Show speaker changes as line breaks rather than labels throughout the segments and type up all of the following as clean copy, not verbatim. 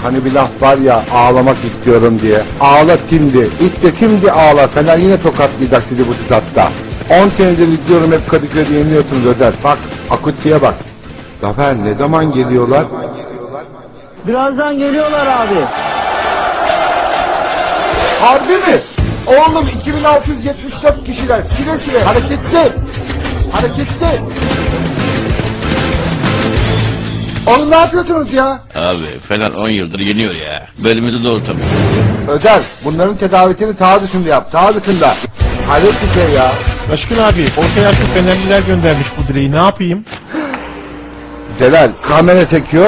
Hani bir laf var ya, ağlamak istiyorum diye. Ağla şimdi. İlk de şimdi ağla. Fener yine tokatlayacak sizi bu statta. 10 senedir izliyorum, hep Kadıköy'de yeniliyorsunuz Öder. Bak Akutti'ye bak. Zafer ne zaman geliyorlar?
Birazdan geliyorlar abi.
Harbi mi? Oğlum 2674 kişiler. Sile sile. Hareketli. Hareketli. Oğlum ne yapıyorsunuz ya?
Abi Fener 10 yıldır yeniyor ya. Belimizi doğrultamıyor.
Öder, bunların tedavisini sağ dışında yap. Sağ dışında. Hayret bir şey ya.
Başkın abi, orta yaşlı Fenerliler göndermiş bu direği, ne yapayım?
Celal, kamera çekiyor.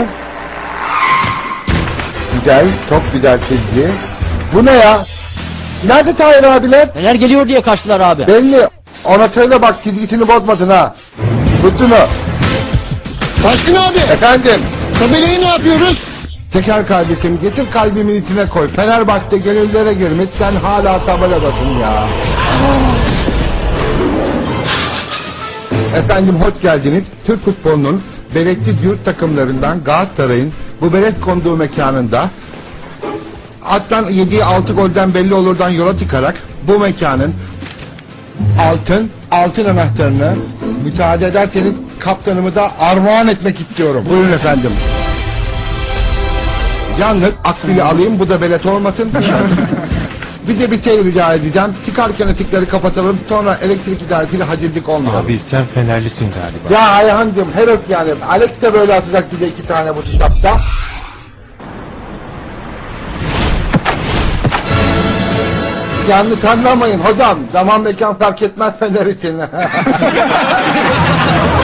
Güzel, çok güzel çizgi. Bu ne ya? Nerede Tahir abiler?
Fener geliyor diye kaçtılar abi.
Belli. Ona söyle bak, çizgisini bozmadın ha. Tutunu.
Başkın abi,
Efendim.
tabelayı ne yapıyoruz?
Teker kardeşim, getir kalbimin içine koy. Fenerbahçe gönüllere girmiş, sen hala tabeladasın ya. Efendim hoş geldiniz. Türk futbolunun berekli yurt takımlarından Galatasaray'ın bu belet konduğu mekanında attan yediği 6 golden belli olurdan yola çıkarak bu mekanın altın anahtarını müsaade ederseniz kaptanımı da armağan etmek istiyorum. Buyurun efendim. Yalnız akbili alayım, bu da belet olmasın. Bir de bir şey rica edeceğim. Çıkarken ışıkları kapatalım, sonra elektrik idaresiyle hacillik olmuyor.
Abi sen Fenerlisin galiba.
Ya Ayhan'cığım her öp yani. Alex de böyle atacak bize 2 tane bu kitapta. Yanlış anlamayın hocam. Zaman mekan fark etmez Fener için.